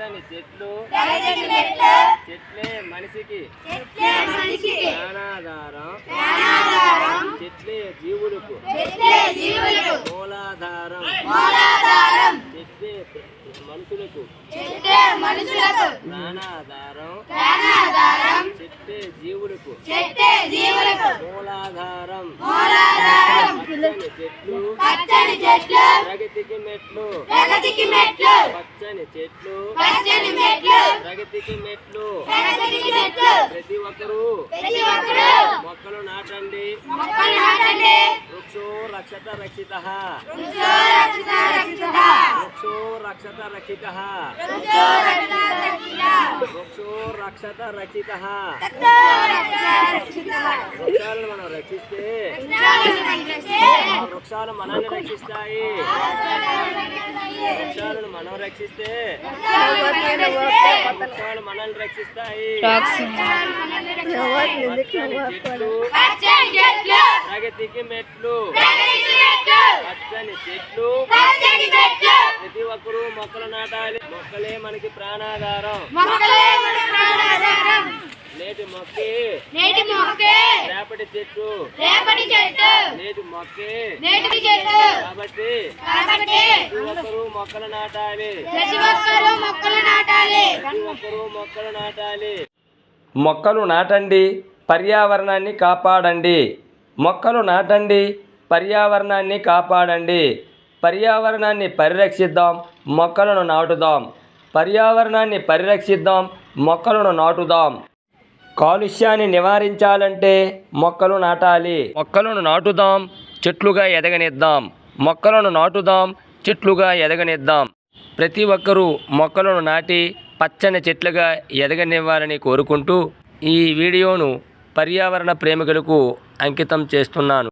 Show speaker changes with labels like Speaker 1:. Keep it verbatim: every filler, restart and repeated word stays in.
Speaker 1: పచ్చని చెట్లు చెట్లే మనిషికి ప్రాణాధారం చెట్లే జీవులకు మూలాధారం చెట్లే మనుషులకు ప్రాణాధారం చెట్లే జీవులకు మూలాధారం పచ్చని చెట్లు ప్రగతికి మెట్లు పచ్చని చెట్లు ప్రగతికి మెట్లు ప్రతి ఒక్కరూ మొక్కలు నాటండి వృక్షో రక్షత రక్షిత వృక్షో రక్షత రక్షిత వృక్షో రక్షత రక్షిత వృక్షాలను మనం రక్షిస్తే వృక్షాలు మనల్ని రక్షిస్తాయి వృక్షాలను మనం రక్షిస్తే వృక్షాలు మనల్ని రక్షిస్తాయి ప్రగతికి మెట్లు పచ్చని చెట్లు ప్రతి ఒక్కరూ మొక్కలు నాటాలి మొక్కలే మనకి ప్రాణాధారం నేటి మొక్కే
Speaker 2: నేటి మొక్కే
Speaker 1: రేపటి చెట్టు
Speaker 2: రేపటి చెట్టు
Speaker 1: నేటి మొక్కే
Speaker 2: నేటి చెట్టు
Speaker 1: కాబట్టి
Speaker 2: కాబట్టి
Speaker 1: ప్రతి ఒక్కరూ మొక్కలు నాటాలి
Speaker 2: ప్రతి ఒక్కరూ మొక్కలు నాటాలి
Speaker 1: ప్రతి ఒక్కరూ మొక్కలు నాటాలి
Speaker 3: మొక్కలు నాటండి పర్యావరణాన్ని కాపాడండి మొక్కలు నాటండి పర్యావరణాన్ని కాపాడండి పర్యావరణాన్ని పరిరక్షిద్దాం మొక్కలను నాటుదాం పర్యావరణాన్ని పరిరక్షిద్దాం మొక్కలను నాటుదాం కాలుష్యాన్ని నివారించాలంటే మొక్కలు నాటాలి మొక్కలను నాటుదాం చెట్లుగా ఎదగనిద్దాం మొక్కలను నాటుదాం చెట్లుగా ఎదగనిద్దాం ప్రతి ఒక్కరూ మొక్కలను నాటి పచ్చని చెట్లుగా ఎదగనివ్వాలని కోరుకుంటూ ఈ వీడియోను పర్యావరణ ప్రేమికులకు అంకితం చేస్తున్నాను.